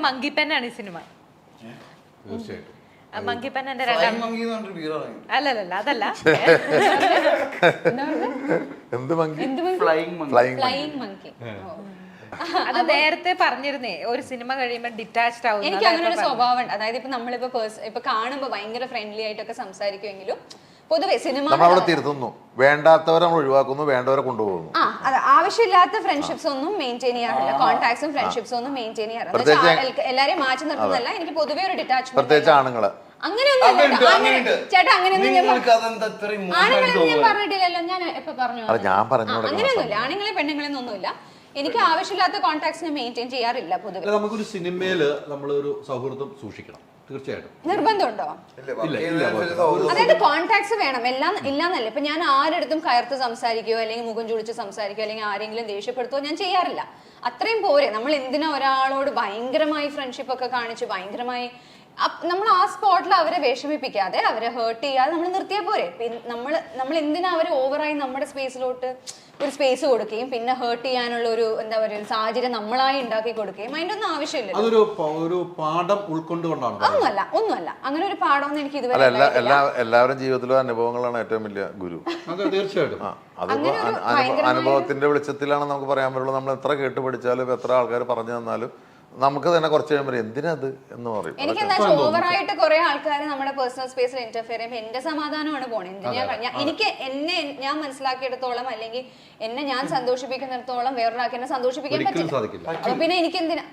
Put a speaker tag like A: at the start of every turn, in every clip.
A: Monkey പെന്നാണ് ഈ cinema.
B: തീർച്ചയായിട്ടും
A: monkey pen എന്റെ രണ്ടാം അല്ലല്ല അതല്ല
C: എന്ത് മങ്കി?
D: Flying monkey.
A: അത് നേരത്തെ പറഞ്ഞിരുന്നേ ഒരു സിനിമ കഴിയുമ്പോൾ ഡിറ്റാച്ച്ഡ് ആവും.
D: എനിക്ക് അങ്ങനെ ഒരു സ്വഭാവം ഉണ്ട്. അതായത് ഇപ്പൊ നമ്മളിപ്പോ ഇപ്പൊ കാണുമ്പോ ഭയങ്കര ഫ്രണ്ട്ലി ആയിട്ടൊക്കെ സംസാരിക്കുമെങ്കിലും പൊതുവെ സിനിമ
C: നമ്മളവിടെ തിരുത്തുന്നു, വേണ്ടാത്തവരെ നമ്മൾ ഒഴിവാക്കുന്നു, വേണ്ടവരെ കൊണ്ടുപോകുന്നു.
D: അതെ, ആവശ്യമില്ലാത്ത ഫ്രണ്ട്ഷിപ്സ് ഒന്നും മെയിൻറ്റെയിൻ ചെയ്യാറില്ല, കോൺടാക്ട്സും ഫ്രണ്ട്ഷിപ്സും ഒന്നും മെയിൻറ്റെയിൻ ചെയ്യാറില്ല. എല്ലാരെയും മാറ്റി നിർത്തുന്നല്ല, എനിക്ക് പൊതുവെ ഒരു ഡിറ്റാച്ച്മെന്റ്.
C: പ്രത്യേകിച്ച് ആണുങ്ങള്
D: അങ്ങനെയൊന്നും ചേട്ടാ, അങ്ങനെയൊന്നും ആണുങ്ങളെന്ന് ഞാൻ പറഞ്ഞിട്ടില്ലല്ലോ. ഞാൻ എപ്പോ പറഞ്ഞു? അങ്ങനെയൊന്നുമില്ല, ആണുങ്ങളെ പെണ്ണുങ്ങളെന്നൊന്നുമില്ല. എനിക്ക് ആവശ്യമില്ലാത്ത കോൺടാക്ട്സിനെ മെയിൻറ്റെയിൻ ചെയ്യാറില്ല പൊതുവെ.
B: നമുക്കൊരു സിനിമയില് നമ്മളൊരു സൗഹൃദം സൂക്ഷിക്കണം, തീർച്ചയായിട്ടും.
D: നിർബന്ധമുണ്ടോ? അതായത് കോൺടാക്ട്സ് വേണം, എല്ലാം ഇല്ലാന്നല്ല. ഇപ്പൊ ഞാൻ ആരെടുത്തും കയർത്ത് സംസാരിക്കുകയോ അല്ലെങ്കിൽ മുഖം ചുളിച്ച് സംസാരിക്കുകയോ അല്ലെങ്കിൽ ആരെങ്കിലും ദേഷ്യപ്പെടുത്തുകയോ ഞാൻ ചെയ്യാറില്ല. അത്രയും പോരെ. നമ്മൾ എന്തിനാ ഒരാളോട് ഭയങ്കരമായി ഫ്രണ്ട്ഷിപ്പ് ഒക്കെ കാണിച്ച് ഭയങ്കരമായി നമ്മൾ ആ സ്പോട്ടിൽ അവരെ വിഷമിപ്പിക്കാതെ അവരെ ഹേർട്ട് ചെയ്യാതെ നമ്മൾ നിർത്തിയാൽ പോരെ. നമ്മൾ എന്തിനാ അവരെ ഓവറായി നമ്മുടെ സ്പേസിലോട്ട് ഒരു സ്പേസ് കൊടുക്കുകയും പിന്നെ ഹേർട്ട് ചെയ്യാനുള്ള ഒരു എന്താ പറയുക ഒരു സാഹചര്യം നമ്മളായി ഉണ്ടാക്കി കൊടുക്കുകയും അതിന്റെ ഒന്നും ആവശ്യമില്ല.
B: ഒരു പാഠം ഉൾക്കൊണ്ടുകൊണ്ടാണ്.
D: ഒന്നുമല്ല അങ്ങനെ ഒരു പാഠമൊന്നും എനിക്ക് ഇതുവരെ.
C: എല്ലാവരും ജീവിതത്തിലും അനുഭവങ്ങളാണ് ഏറ്റവും വലിയ ഗുരു.
B: തീർച്ചയായിട്ടും
C: അനുഭവത്തിന്റെ വെളിച്ചത്തിലാണ് നമുക്ക് പറയാൻ പറ്റുള്ളൂ. നമ്മൾ എത്ര കേട്ട് പഠിച്ചാലും എത്ര ആൾക്കാർ പറഞ്ഞു തന്നാലും നമുക്ക് തന്നെ കുറച്ച് കഴിയുമ്പോൾ എന്തിനത് എന്ന് പറയും.
D: എനിക്ക് എന്താ ഓവറായിട്ട് കുറെ ആൾക്കാർ നമ്മുടെ പേഴ്സണൽ സ്പേസിൽ ഇന്റർഫിയർ ചെയ്യുമ്പോൾ എന്റെ സമാധാനമാണ് പോണേ. എനിക്ക് ഞാൻ മനസ്സിലാക്കിയെടുത്തോളം അല്ലെങ്കിൽ എന്നെ ഞാൻ സന്തോഷിപ്പിക്കുന്നിടത്തോളം വേറൊരാൾക്ക് എന്നെ സന്തോഷിപ്പിക്കാൻ പറ്റില്ല. അപ്പൊ പിന്നെ എനിക്ക് എന്തിനാ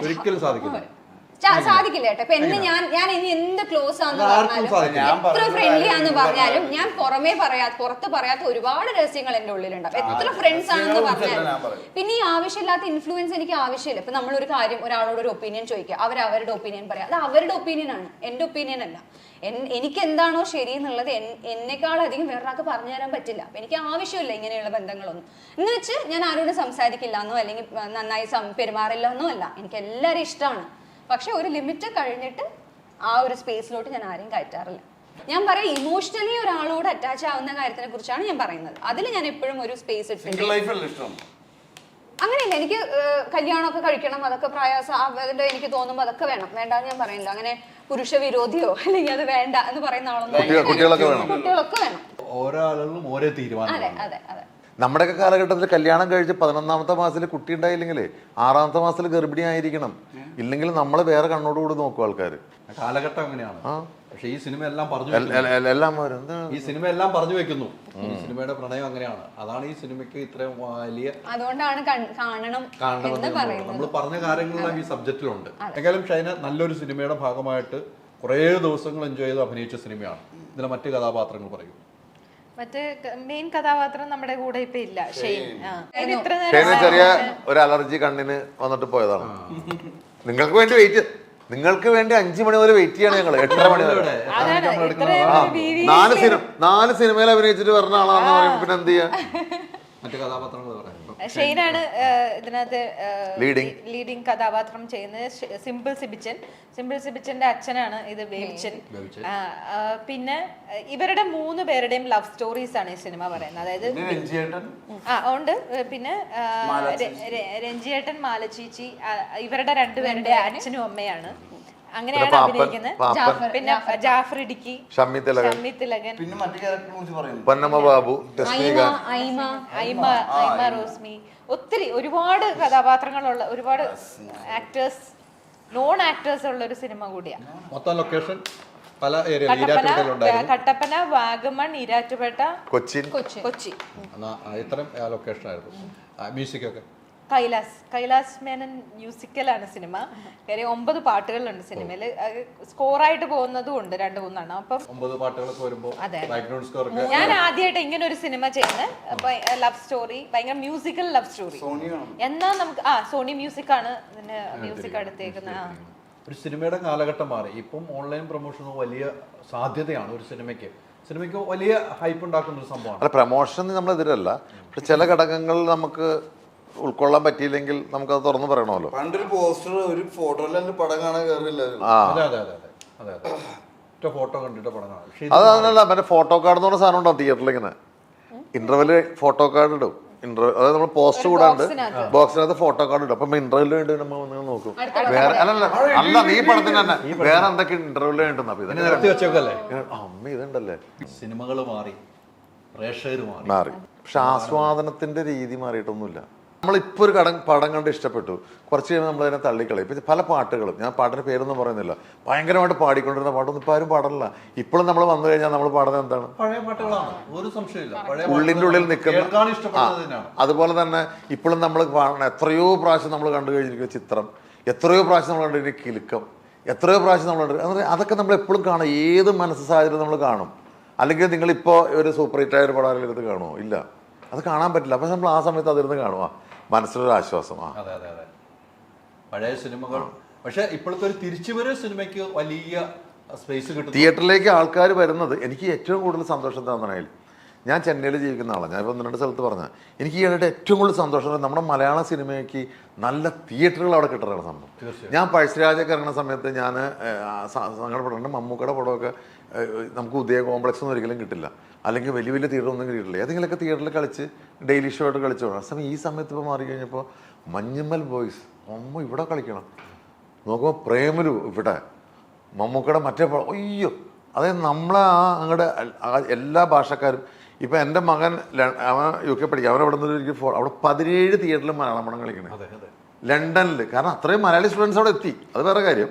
D: സാധിക്കില്ല കേട്ടോ. ഇപ്പൊ എന്നെ ഞാൻ ഇനി എന്ത് ക്ലോസ് ആന്ന് പറഞ്ഞാലും എത്ര ഫ്രണ്ട്ലി ആന്ന് പറഞ്ഞാലും ഞാൻ പുറത്ത് പറയാത്ത ഒരുപാട് രഹസ്യങ്ങൾ എന്റെ ഉള്ളിലുണ്ടാവും. എത്ര ഫ്രണ്ട്സ് ആണെന്ന് പറഞ്ഞാലും പിന്നെ ഈ ആവശ്യമില്ലാത്ത ഇൻഫ്ലുവൻസ് എനിക്ക് ആവശ്യമില്ല. ഇപ്പൊ നമ്മളൊരു കാര്യം ഒരാളോട് ഒരു ഒപ്പീനിയൻ ചോദിക്കുക, അവരുടെ ഒപ്പീനിയൻ പറയാം, അത് അവരുടെ ഒപ്പീനിയൻ ആണ്, എന്റെ ഒപ്പീനിയൻ അല്ല. എനിക്ക് എന്താണോ ശരി എന്നുള്ളത് എന്നെക്കാളധികം വേറൊരാൾക്ക് പറഞ്ഞു തരാൻ പറ്റില്ല. അപ്പൊ എനിക്ക് ആവശ്യമില്ല ഇങ്ങനെയുള്ള ബന്ധങ്ങളൊന്നും. എന്ന് വെച്ച് ഞാൻ ആരോടും സംസാരിക്കില്ല എന്നോ അല്ലെങ്കിൽ നന്നായി പെരുമാറില്ല എന്നോ അല്ല. എനിക്ക് എല്ലാവരും ഇഷ്ടമാണ്. പക്ഷെ ഒരു ലിമിറ്റ് കഴിഞ്ഞിട്ട് ആ ഒരു സ്പേസിലോട്ട് ഞാൻ ആരെയും കയറ്റാറില്ല. ഞാൻ പറയാം ഇമോഷണലി ഒരാളോട് അറ്റാച്ച് ആവുന്ന കാര്യത്തിനെ കുറിച്ചാണ് ഞാൻ പറയുന്നത്. അതിൽ ഞാൻ എപ്പോഴും ഒരു സ്പേസ് ഇട്ടിട്ടുണ്ട്. അങ്ങനെയില്ല, എനിക്ക് കല്യാണമൊക്കെ കഴിക്കണം, അതൊക്കെ പ്രയാസം അതിന്റെ എനിക്ക് തോന്നുമ്പോൾ അതൊക്കെ വേണം, വേണ്ടാന്ന് ഞാൻ പറയില്ല. അങ്ങനെ പുരുഷ വിരോധിയോ അല്ലെങ്കിൽ അത് വേണ്ട എന്ന് പറയുന്ന ആളൊന്നും. കുട്ടികളൊക്കെ വേണം.
B: ഓരോ ആളുകളും ഓരോ തീരുമാനം.
D: അതെ അതെ അതെ.
C: നമ്മുടെയൊക്കെ കാലഘട്ടത്തിൽ കല്യാണം കഴിച്ച് 11ാമത്തെ മാസത്തിൽ കുട്ടി ഉണ്ടായില്ലെങ്കിൽ 6ാമത്തെ മാസത്തിൽ ഗർഭിണി ആയിരിക്കണം. ഇല്ലെങ്കിൽ നമ്മൾ വേറെ കണ്ണോടുകൂടി നോക്കും ആൾക്കാർ.
B: കാലഘട്ടം അങ്ങനെയാണ്. പക്ഷെ ഈ സിനിമ എല്ലാം ഈ സിനിമ എല്ലാം പറഞ്ഞു വെക്കുന്നു. ഈ സിനിമയുടെ പ്രണയം അങ്ങനെയാണ്. അതാണ് ഈ സിനിമയ്ക്ക് ഇത്രയും വലിയ.
D: അതുകൊണ്ടാണ് കാണണം.
B: നമ്മൾ പറഞ്ഞ കാര്യങ്ങളെല്ലാം ഈ സബ്ജക്റ്റിലുണ്ട്. എങ്കിലും ഷൈന നല്ലൊരു സിനിമയുടെ ഭാഗമായിട്ട് കുറേ ദിവസങ്ങൾ എൻജോയ് ചെയ്ത് അഭിനയിച്ച സിനിമയാണ്. ഇതിലെ മറ്റു കഥാപാത്രങ്ങൾ പറയൂ.
A: മറ്റേ മെയിൻ കഥാപാത്രം നമ്മുടെ കൂടെ ഇപ്പൊ ഇല്ല, ഷെയ്ൻ.
C: ചെറിയ ഒരു അലർജി കണ്ണിന് വന്നിട്ട് പോയതാണ്. നിങ്ങൾക്ക് വേണ്ടി 5 മണി വരെ വെയിറ്റ് ചെയ്യണം ഞങ്ങള്. 8:30 മണി വരെ 4 സിനിമയിൽ അഭിനയിച്ചിട്ട് പറഞ്ഞ ആളാന്ന് പറയുമ്പോ പിന്നെ എന്ത് ചെയ്യാ?
B: മറ്റു കഥാപാത്രങ്ങൾ പറയാം.
A: ഷെയ്നാണ് ഇതിനകത്ത് ലീഡിങ് കഥാപാത്രം ചെയ്യുന്നത്. സിമ്പിൾ സിബിച്ചന്റെ അച്ഛനാണ് ഇത് ബേബിച്ചൻ. പിന്നെ ഇവരുടെ 3 പേരുടെയും ലവ് സ്റ്റോറീസ് ആണ് ഈ സിനിമ പറയുന്നത്. അതായത് ഉണ്ട്. പിന്നെ രഞ്ജിയേട്ടൻ, മാലച്ചീച്ചി, ഇവരുടെ 2 പേരുടെ അച്ഛനും അമ്മയാണ്. അങ്ങനെയാണ് അഭിനയിക്കുന്നത്. പിന്നെ ജാഫർ ഇടുക്കി, ഷമ്മി തിലകൻ,
C: പൊന്നമ്മ ബാബു,
A: ഐമ റോസ്മി, ഒത്തിരി ഒരുപാട് കഥാപാത്രങ്ങളുള്ള ഒരുപാട് ആക്ടേഴ്സ്, നോൺ ആക്ടേഴ്സ് ഉള്ള ഒരു സിനിമ കൂടിയാണ്.
B: മൊത്തം ലൊക്കേഷൻ പല
A: കട്ടപ്പന, വാഗമൺ, ഈരാറ്റുപേട്ട, കൊച്ചി.
B: ഇത്രയും ലൊക്കേഷൻ ആയിരുന്നു. മ്യൂസിക് ഒക്കെ
A: കൈലാസ് മേനൻ മ്യൂസിക്കലാണ് സിനിമ. 9 പാട്ടുകളുണ്ട് സിനിമയില്. സ്കോറായിട്ട് പോകുന്നതും ഉണ്ട് 2-3 അപ്പം
B: 9 പാട്ടുകളൊക്കെ വരുമ്പോൾ
A: ഞാൻ ആദ്യമായിട്ട് ഇങ്ങനെ ഒരു സിനിമ ചെയ്യുന്നത്. ലവ് സ്റ്റോറി, ഭയങ്കര മ്യൂസിക്കൽ ലവ് സ്റ്റോറി. എന്നാ നമുക്ക് സോണി മ്യൂസിക് ആണ് ഇതിന് മ്യൂസിക് എടുത്തേക്കുന്നത്.
B: ഒരു സിനിമയുടെ കാലഘട്ടം മാറി. ഇപ്പം ഓൺലൈൻ പ്രൊമോഷൻ വലിയ സാധ്യതയാണ് ഒരു സിനിമയ്ക്ക് വലിയ ഹൈപ്പ് ഉണ്ടാക്കുന്ന ഒരു സംഭവമാണ്.
C: അല്ല, പ്രൊമോഷൻ നമ്മളെതിരല്ല. പക്ഷെ ചില ഘടകങ്ങൾ നമുക്ക് ഉൾക്കൊള്ളാൻ പറ്റിയില്ലെങ്കിൽ നമുക്കത് തുറന്നു പറയണമല്ലോ.
E: പണ്ടൊരു പോസ്റ്റർ ഒരു ഫോട്ടോയിലും പടം കാണാൻ കയറില്ല.
B: ഫോട്ടോ കണ്ടിട്ട് പടം കാണാം.
C: അതല്ല, മറ്റേ ഫോട്ടോ കാർഡ് എന്ന് പറഞ്ഞ സാധനം ഉണ്ടാവും തിയേറ്ററിൽ. ഇങ്ങനെ ഇന്റർവെല് ഫോട്ടോ കാർഡ് ഇടും. ഇന്റർവ്യൂ, അതായത് നമ്മൾ പോസ്റ്റ് കൂടാണ്ട് ബോക്സിനകത്ത് ഫോട്ടോ കാർഡ് ഇടും. അപ്പം ഇന്റർവ്യൂവിന് വേണ്ടി നമ്മൾ വന്ന് നോക്കും. വേറെ അല്ല നീ പടത്തിന് തന്നെ വേറെ എന്തൊക്കെ ഇന്റർവ്യൂവിന് വേണ്ടെന്ന്. അപ്പൊ ഇതിനെ
B: നിരത്തി വെച്ചോക്കല്ലേ
C: അമ്മ ഇതുണ്ടല്ലേ,
B: സിനിമകൾ മാറി, പ്രേക്ഷകർ മാറി.
C: പക്ഷെ ആസ്വാദനത്തിന്റെ രീതി മാറിയിട്ടൊന്നുമില്ല. നമ്മളിപ്പോൾ ഒരു പടം കണ്ട് ഇഷ്ടപ്പെട്ടു, കുറച്ച് കഴിയുമ്പോൾ നമ്മളതിനെ തള്ളിക്കളയും. ഇപ്പം പല പാട്ടുകളും, ഞാൻ പാട്ടിന്റെ പേരൊന്നും പറയുന്നില്ല, ഭയങ്കരമായിട്ട് പാടിക്കൊണ്ടിരുന്ന പാട്ടൊന്നും ഇപ്പം ആരും പാടില്ല. ഇപ്പോഴും നമ്മൾ വന്നു കഴിഞ്ഞാൽ നമ്മൾ പാടുന്നത് എന്താണ്?
B: പഴയ പാട്ടുകളാണ്, ഒരു സംശയമില്ല.
C: ഉള്ളിൻ്റെ ഉള്ളിൽ നിൽക്കുന്ന. അതുപോലെ തന്നെ ഇപ്പോഴും നമ്മൾ കാണണം, എത്രയോ പ്രാവശ്യം നമ്മൾ കണ്ടു കഴിഞ്ഞിരിക്കുന്ന ചിത്രം, എത്രയോ പ്രാവശ്യം നമ്മൾ കണ്ടിരിക്കുന്ന കിലുക്കം, എത്രയോ പ്രാവശ്യം നമ്മൾ കണ്ടു. അതൊക്കെ നമ്മൾ എപ്പോഴും കാണും, ഏത് മനസ്സ് സാഹചര്യം നമ്മൾ കാണും. അല്ലെങ്കിൽ നിങ്ങളിപ്പോൾ ഒരു സൂപ്പർ ഹിറ്റായ ഒരു പടം എടുത്ത് കാണുമോ? ഇല്ല, അത് കാണാൻ പറ്റില്ല. അപ്പം നമ്മൾ ആ സമയത്ത് അതിരുന്ന് കാണുക, മനസ്സിലൊരു ആശ്വാസം.
B: അതെ അതെ അതെ, പഴയ സിനിമകൾ. പക്ഷെ ഇപ്പോഴത്തെ ഒരു തിരിച്ചുവരവ് സിനിമയ്ക്ക് വലിയ സ്പേസ് കിട്ടും.
C: തിയേറ്ററിലേക്ക് ആൾക്കാർ വരുന്നത് എനിക്ക് ഏറ്റവും കൂടുതൽ സന്തോഷം തന്നതിൽ, ഞാൻ ചെന്നൈയിൽ ജീവിക്കുന്ന ആളാണ്, ഞാൻ ഇപ്പോൾ 1-2 സ്ഥലത്ത് പറഞ്ഞാൽ എനിക്ക് ഈയിടെ ഏറ്റവും കൂടുതൽ സന്തോഷം നമ്മുടെ മലയാള സിനിമയ്ക്ക് നല്ല തിയേറ്ററുകൾ അവിടെ കിട്ടുന്നതാണ് സംഭവം. ഞാൻ പഴശ്ശിരാജൊക്കെ ഇറങ്ങുന്ന സമയത്ത് ഞാൻ സങ്കടപ്പെട്ടിട്ടുണ്ട്. മമ്മൂക്കയുടെ പടമൊക്കെ നമുക്ക് ഉദയ കോംപ്ലക്സ് ഒന്നും ഒരിക്കലും കിട്ടില്ല, അല്ലെങ്കിൽ വലിയ വലിയ തിയേറ്റർ ഒന്നും കിട്ടില്ല. ഏതെങ്കിലുമൊക്കെ തിയേറ്ററിൽ കളിച്ച് ഡെയിലി ഷോ ആയിട്ട് കളിച്ചു പോകണം. സമയം ഈ സമയത്ത് ഇപ്പോൾ മാറിക്കഴിഞ്ഞപ്പോൾ മഞ്ഞുമ്മൽ ബോയ്സ് ഇവിടെ കളിക്കണം, നോക്കുമ്പോൾ പ്രേമലു ഇവിടെ, മമ്മൂക്കയുടെ മറ്റേ അയ്യോ, അതായത് നമ്മളെ അങ്ങോട്ട് എല്ലാ ഭാഷക്കാരും. ഇപ്പം എൻ്റെ മകൻ അവൻ UK പഠിക്കുക, അവനവിടെ നിന്ന് അവിടെ 17 തിയേറ്ററിൽ മലയാളം പടം കളിക്കണേ, ലണ്ടനിൽ. കാരണം അത്രയും മലയാളി സ്റ്റുഡൻസ് അവിടെ എത്തി, അത് വേറെ കാര്യം.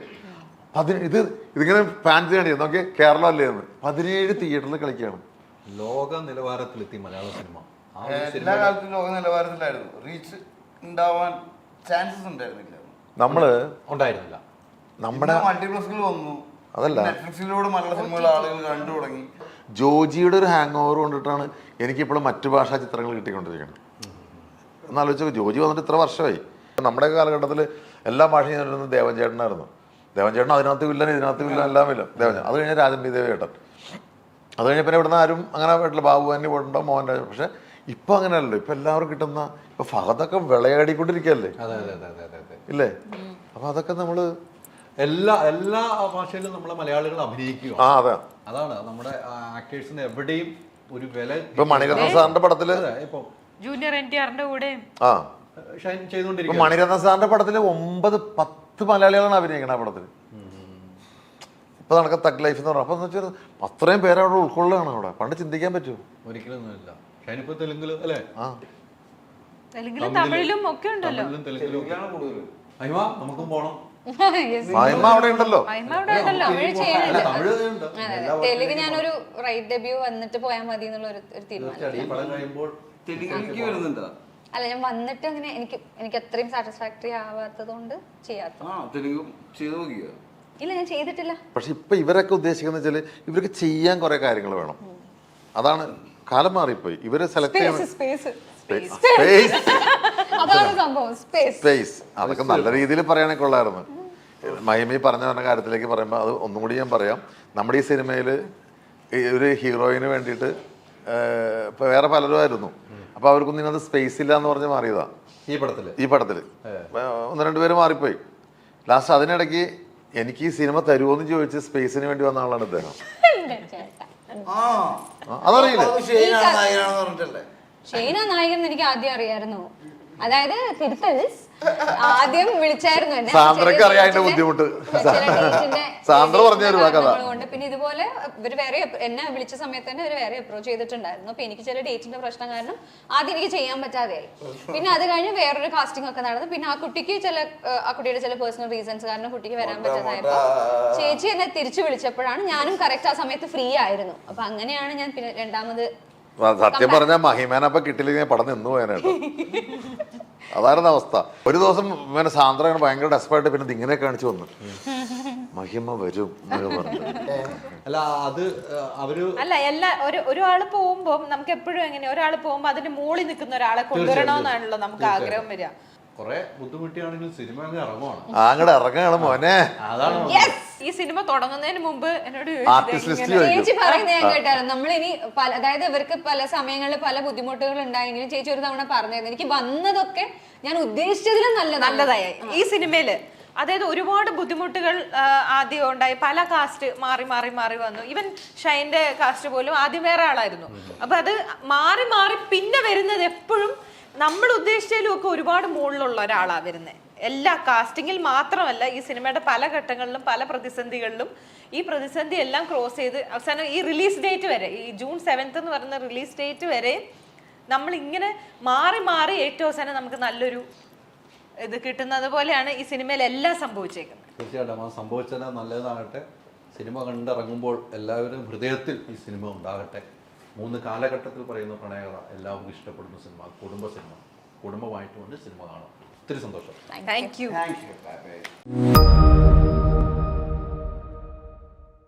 C: ഇതിങ്ങനെ ഫാൻസി കാണിയത് നോക്കിയ കേരളം അല്ലേ എന്ന് 17 തിയേറ്ററിൽ കളിക്കുകയാണ്.
B: ലോക നിലവാരത്തിലെത്തി മലയാള സിനിമ.
E: എല്ലാ കാലത്തും ലോക നിലവാരത്തിലായിരുന്നു. റീച്ച് ഉണ്ടാവാൻ ചാൻസസ് ഉണ്ടായിരുന്നില്ല,
C: നമ്മള്
B: ഉണ്ടായിരുന്നില്ല.
C: നമ്മുടെ
E: മൾട്ടിപ്ലക്സുകൾ വന്നു,
C: അതല്ല
E: നെറ്റ്ഫ്ലിക്സിലൂടെ മലയാള സിനിമകൾ ആളുകൾ കണ്ടു തുടങ്ങി.
C: ജോജിയുടെ ഒരു ഹാങ് ഓവർ കൊണ്ടിട്ടാണ് എനിക്കിപ്പോഴും മറ്റു ഭാഷാ ചിത്രങ്ങൾ കിട്ടിക്കൊണ്ടിരിക്കുന്നത്. എന്നാലോചിച്ചു, ജോജി വന്നിട്ട് ഇത്ര വർഷമായി. നമ്മുടെ കാലഘട്ടത്തിൽ എല്ലാ ഭാഷയും ഞാനിരുന്നത് ദേവൻ ചേട്ടനായിരുന്നു. ദേവൻ ചേട്ടൻ അതിനകത്ത് വില്ലൻ, ഇതിനകത്ത് വില്ലൻ, എല്ലാം വില്ലൻ ദേവൻ. അത് കഴിഞ്ഞാൽ രാജൻ ബി ദേവ് ചേട്ടൻ. അത് കഴിഞ്ഞ പിന്നെ ഇവിടുന്ന് ആരും അങ്ങനെ വീട്ടിൽ ബാബു തന്നെ പോയിട്ടുണ്ടോ, മോഹൻ രാജ. പക്ഷെ ഇപ്പൊ അങ്ങനെയല്ലോ, ഇപ്പൊ എല്ലാവരും കിട്ടുന്ന ഇപ്പൊ ഫഹദൊക്കെ വിളയാടിക്കൊണ്ടിരിക്കുകയല്ലേ, ഇല്ലേ? അപ്പൊ അതൊക്കെ നമ്മള്
B: എല്ലാ ഭാഷയിലും നമ്മളെ മലയാളികൾ അഭിനയിക്കുക.
C: അതെ,
B: അതാണ് നമ്മുടെ ആക്ടേഴ്സിന് എവിടെയും ഒരു വില.
C: ഇപ്പൊ മണിരത്നം സാറിന്റെ പടത്തില്
B: ഇപ്പൊ
A: ജൂനിയർ NTRന്റെ കൂടെ
B: ഷൈൻ ചെയ്തുകൊണ്ടിരിക്കും.
C: മണിരത്നം സാറിന്റെ പടത്തില് 9-10 മലയാളികളാണ് അഭിനയിക്കുന്നത് ആ പടത്തിൽ. ഇപ്പൊ നടക്കുന്ന തഗ് ലൈഫ് എന്ന് പറഞ്ഞാൽ, അപ്പൊ എന്ന് വെച്ചാൽ അത്രയും പേര് അവിടെ ഉൾക്കൊള്ളുകയാണ്. അവിടെ പണ്ട് ചിന്തിക്കാൻ പറ്റുമോ?
B: ഒരിക്കലൊന്നുമില്ല. ഷൈനിപ്പോ തെലുങ്കില് അല്ലേ?
A: തെലുങ്കിലും തമിഴിലും ഒക്കെ ഉണ്ടല്ലോ.
B: നമുക്കും പോണം.
C: മഹിമ അവിടെ ഉണ്ടല്ലോ.
D: തെലുങ്ക് ഞാനൊരു റൈറ്റ് ഡെബ്യൂ വന്നിട്ട് പോയാൽ മതി എന്നുള്ള ഒരു തീരുമാനം. അല്ല, ഞാൻ വന്നിട്ട് അങ്ങനെ എനിക്ക് അത്രയും സാറ്റിസ്ഫാക്ടറി ആവാത്തത് കൊണ്ട് ചെയ്യാത്ത. ഇല്ല, ഞാൻ ചെയ്തിട്ടില്ല. പക്ഷെ
C: ഇപ്പൊ ഇവരൊക്കെ ഉദ്ദേശിക്കുന്ന വെച്ചാല് ഇവർക്ക് ചെയ്യാൻ കുറെ കാര്യങ്ങൾ വേണം. അതാണ് കാലം മാറിപ്പോയി. ഇവര് സെലക്ട് ചെയ്യണം സ്പേസ്. അതൊക്കെ നല്ല രീതിയിൽ പറയാനൊക്കെ കൊള്ളായിരുന്നു. മഹിമി പറഞ്ഞ കാര്യത്തിലേക്ക് പറയുമ്പോൾ അത് ഒന്നും കൂടി ഞാൻ പറയാം. നമ്മുടെ ഈ സിനിമയിൽ ഒരു ഹീറോയിന് വേണ്ടിയിട്ട് ഇപ്പൊ വേറെ പലരും ആയിരുന്നു. അപ്പൊ അവർക്കൊന്നും ഇതിനകത്ത് സ്പേസ് ഇല്ല എന്ന് പറഞ്ഞ് മാറിയതാ ഈ പടത്തില് 1-2 പേര് മാറിപ്പോയി. ലാസ്റ്റ് അതിനിടയ്ക്ക് എനിക്ക് ഈ സിനിമ തരുമോന്ന് ചോദിച്ച് സ്പേസിന് വേണ്ടി വന്ന ആളാണ് ഇദ്ദേഹം. അതറിയില്ല,
D: ഷെയ്ന നായകൻ എനിക്ക് ആദ്യം അറിയായിരുന്നു. അതായത് തിരുത്തൽസ് ആദ്യം വിളിച്ചായിരുന്നു എന്നെ.
C: സാന്ദ്രക്ക് അറിയാം അതിന്റെ ബുദ്ധിമുട്ട്. സാന്ദ്ര പറഞ്ഞു തരുവാ കഥ.
D: പിന്നെ ഇതുപോലെ ഇവര് വേറെ എന്നെ വിളിച്ച സമയത്ത് തന്നെ ഇവര് വേറെ അപ്രോച്ച് ചെയ്തിട്ടുണ്ടായിരുന്നു. അപ്പൊ എനിക്ക് ചില ഡേറ്റിന്റെ പ്രശ്നം കാരണം ആദ്യം എനിക്ക് ചെയ്യാൻ പറ്റാതെയായി. പിന്നെ അത് കഴിഞ്ഞ് വേറൊരു കാസ്റ്റിംഗ് ഒക്കെ നടന്നു. പിന്നെ ആ കുട്ടിയുടെ ചില പേഴ്സണൽ റീസൺസ് കാരണം കുട്ടിക്ക് വരാൻ പറ്റാതായപ്പോ ചേച്ചി എന്നെ തിരിച്ചു വിളിച്ചപ്പോഴാണ് ഞാനും കറക്റ്റ് ആ സമയത്ത് ഫ്രീ ആയിരുന്നു. അപ്പൊ അങ്ങനെയാണ് ഞാൻ പിന്നെ രണ്ടാമത്.
C: സത്യം പറഞ്ഞാൽ മഹിമേനപ്പൊ കിട്ടില്ലെങ്കിൽ പടം നിന്ന് പോയാനായിട്ട്. അതായിരുന്നു അവസ്ഥ. ഒരു ദിവസം ഇങ്ങനെ സാന്ദ്ര ഭയങ്കര ഡെസ്പായിട്ട് പിന്നെ ഇങ്ങനെ കാണിച്ചു വന്നു, മഹിമ വരും
B: അല്ല അത് അവര്
A: അല്ല ഒരാള് പോകുമ്പോ നമുക്ക് എപ്പോഴും എങ്ങനെ ഒരാള് പോകുമ്പോ അതിന്റെ മുകളിൽ നിൽക്കുന്ന ഒരാളെ കൊണ്ടുവരണമെന്നാണല്ലോ നമുക്ക് ആഗ്രഹം വരിക.
B: കുറെ ബുദ്ധിമുട്ടിയാണെങ്കിലും സിനിമ ഇറങ്ങുവാണ്,
C: അങ്ങോട്ട് ഇറങ്ങുകയാണ് മോനെ.
B: അതാണ്
A: ഈ സിനിമ തുടങ്ങുന്നതിന് മുമ്പ് എന്നോട്
D: ചേച്ചി പറയുന്നത് ഞാൻ കേട്ടായിരുന്നു. നമ്മളിനി അതായത് ഇവർക്ക് പല സമയങ്ങളിൽ പല ബുദ്ധിമുട്ടുകൾ ഉണ്ടായെങ്കിലും ചേച്ചി ഒരു തവണ പറഞ്ഞായിരുന്നു എനിക്ക് വന്നതൊക്കെ ഞാൻ ഉദ്ദേശിച്ചതിലും നല്ലതായി
A: ഈ സിനിമയില്. അതായത് ഒരുപാട് ബുദ്ധിമുട്ടുകൾ ആദ്യം ഉണ്ടായി, പല കാസ്റ്റ് മാറി മാറി മാറി വന്നു. ഈവൻ ഷൈന്റെ കാസ്റ്റ് പോലും ആദ്യം വേറെ ആളായിരുന്നു. അപ്പൊ അത് മാറി മാറി പിന്നെ വരുന്നത് എപ്പോഴും നമ്മൾ ഉദ്ദേശിച്ചതിലും ഒക്കെ ഒരുപാട് മുകളിലുള്ള ഒരാളാണ് വരുന്നത്. എല്ലാ കാസ്റ്റിങ്ങിൽ മാത്രമല്ല, ഈ സിനിമയുടെ പല ഘട്ടങ്ങളിലും പല പ്രതിസന്ധികളിലും ഈ പ്രതിസന്ധി എല്ലാം ക്രോസ് ചെയ്ത് അവസാനം ഈ റിലീസ് ഡേറ്റ് വരെ, ഈ June 7th എന്ന് പറയുന്ന റിലീസ് ഡേറ്റ് വരെ നമ്മൾ ഇങ്ങനെ മാറി മാറി ഏറ്റവും അവസാനം നമുക്ക് നല്ലൊരു ഇത് കിട്ടുന്നത് പോലെയാണ് ഈ സിനിമയിൽ എല്ലാം സംഭവിച്ചേക്കുന്നത്.
B: തീർച്ചയായിട്ടും ആ സംഭവിച്ചത് നല്ലതാകട്ടെ. സിനിമ കണ്ടിറങ്ങുമ്പോൾ എല്ലാവരും ഹൃദയത്തിൽ ഈ സിനിമ ഉണ്ടാകട്ടെ. 3 കാലഘട്ടത്തിൽ പറയുന്ന പ്രണയകഥ എല്ലാവർക്കും ഇഷ്ടപ്പെടുന്ന സിനിമ, കുടുംബ സിനിമ. കുടുംബമായിട്ട് കൊണ്ട് സിനിമ കാണാം. ഒത്തിരി സന്തോഷം.
A: Thank you.
E: Thank U.